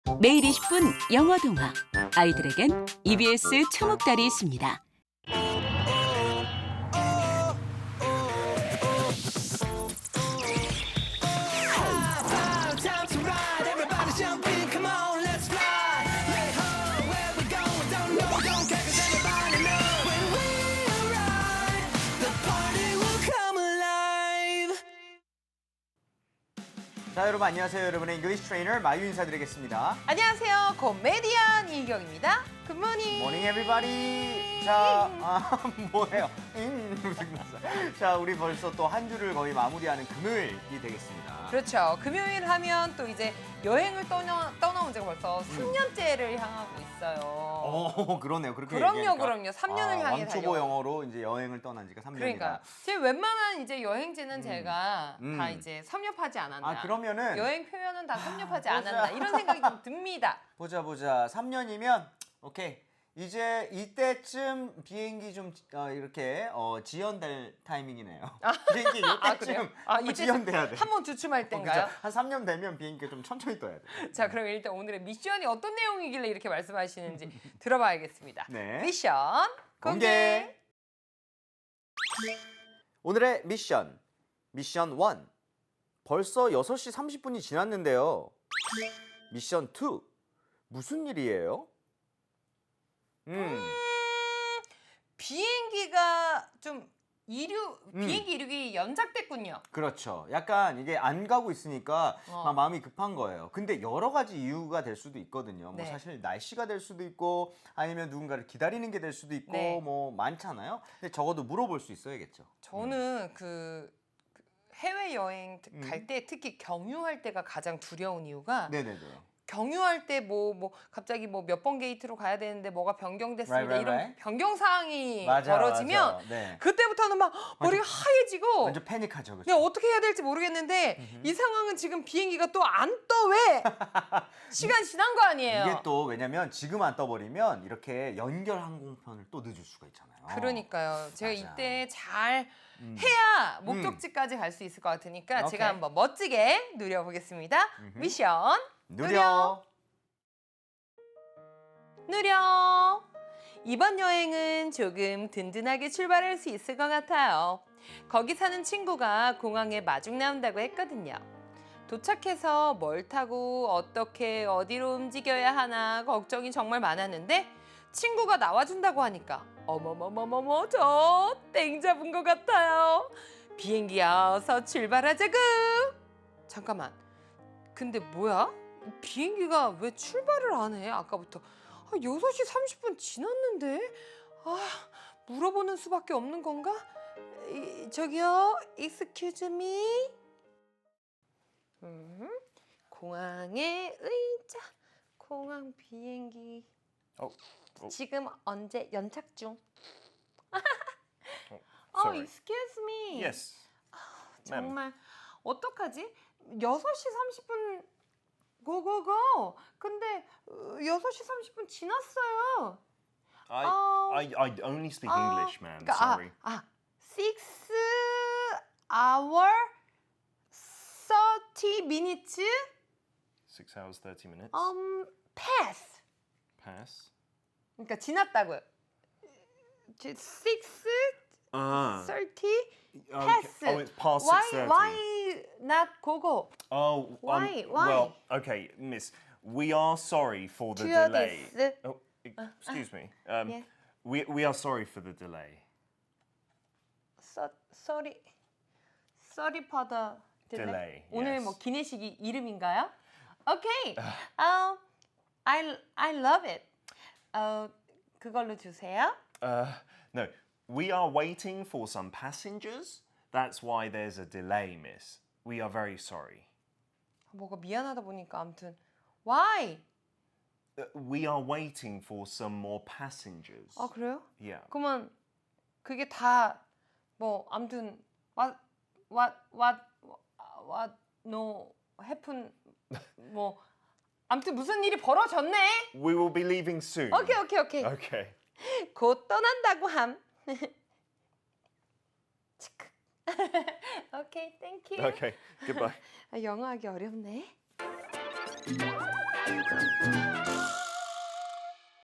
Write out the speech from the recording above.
매일 20분 영어 동화. 아이들에겐 EBS 초목달이 있습니다. 자, 여러분 안녕하세요. 여러분의 잉글리시 트레이너 마유 인사드리겠습니다. 안녕하세요. 코미디언 이희경입니다. 굿모닝. Morning everybody. 자, 뭐예요? 자, 우리 벌써 또 한 주를 거의 마무리하는 금요일이 되겠습니다. 그렇죠. 금요일 하면 또 이제 여행을 떠나온 지가 벌써 3년째를 향하고 있어요. 그러네요. 그렇게 그럼요, 얘기하니까. 그럼요. 3년을 향해 왕초보 영어로 이제 여행을 떠난 지가 3년이다. 그러니까 제 웬만한 이제 여행지는 제가 다 이제 섭렵하지 않았나. 그러면은 여행 표현은 다 섭렵하지 않았나 이런 생각이 좀 듭니다. 보자. 3년이면 오케이. 이제 이때쯤 비행기 좀 이렇게 지연될 타이밍이네요. 비행기 이때쯤 그래요? 한번 지연돼야 돼. 한번 주춤할 때인가요? 그죠? 한 3년 되면 비행기가 좀 천천히 떠야 돼. 자, 그럼 일단 오늘의 미션이 어떤 내용이길래 이렇게 말씀하시는지 들어봐야겠습니다. 네. 미션 공개. 오늘의 미션 1. 벌써 6시 30분이 지났는데요. 미션 2. 무슨 일이에요? 비행기가 좀 비행기 이륙이 연착됐군요. 그렇죠. 약간 이게 안 가고 있으니까 어. 막 마음이 급한 거예요. 근데 여러 가지 이유가 될 수도 있거든요. 뭐 네. 사실 날씨가 될 수도 있고 아니면 누군가를 기다리는 게 될 수도 있고 네. 뭐 많잖아요. 근데 적어도 물어볼 수 있어야겠죠. 저는 그 해외 여행 갈 때 특히 경유할 때가 가장 두려운 이유가 네네네. 경유할 때 뭐 갑자기 뭐 몇 번 게이트로 가야 되는데 뭐가 변경됐습니다. Right. 이런 변경 사항이 맞아, 벌어지면 맞아. 네. 그때부터는 막 머리가 하얘지고 완전 패닉하죠. 그렇죠? 그냥 어떻게 해야 될지 모르겠는데 이 상황은 지금 비행기가 또 안 떠 왜? 시간 지난 거 아니에요? 이게 또 왜냐면 지금 안 떠버리면 이렇게 연결 항공편을 또 늦을 수가 있잖아요. 그러니까요. 제가 맞아. 이때 잘 해야 목적지까지 갈 수 있을 것 같으니까 오케이. 제가 한번 멋지게 누려보겠습니다. 미션 느려. 누려. 이번 여행은 조금 든든하게 출발할 수 있을 것 같아요. 거기 사는 친구가 공항에 마중 나온다고 했거든요. 도착해서 뭘 타고 어떻게 어디로 움직여야 하나 걱정이 정말 많았는데 친구가 나와준다고 하니까 어머머머머머 저 땡 잡은 것 같아요. 비행기야 어서 출발하자구. 잠깐만. 근데 뭐야? 비행기가 왜 출발을 안 해? 아까부터 6시 30분 지났는데? 물어보는 수밖에 없는 건가? 저기요, excuse me? 공항의 의자, 공항 비행기. 지금 언제 연착 중? sorry. excuse me. Yes. ma'am. 정말 어떡하지? 6시 30분 고고고. 근데 6시 30분 지났어요. I only speak English, ma'am. Sorry. 6 hour 30 minutes 6 hours 30 minutes. pass. Pass. 그러니까 지났다고요. 6 30 pass. Oh, it's past why 6:30. why not gogo? Oh, Why? Well, okay, miss. We are sorry for the To delay. this. Oh, excuse me. yeah. We are sorry for the delay. sorry for the Delay, 오늘 yes. 뭐 기내식이 이름인가요? Okay. I love it. 그걸로 주세요. No, we are waiting for some passengers. That's why there's a delay, miss. We are very sorry. 뭐가 미안하다 보니까 아무튼 why? We are waiting for some more passengers. 그래요? Yeah. 그러면 그게 다 뭐 아무튼 what no happen 뭐 아무튼 무슨 일이 벌어졌네. We will be leaving soon. 오케이. Okay. 곧 떠난다고 함. 오케이, 땡큐. Okay. Goodbye. 영어하기 어렵네. 네.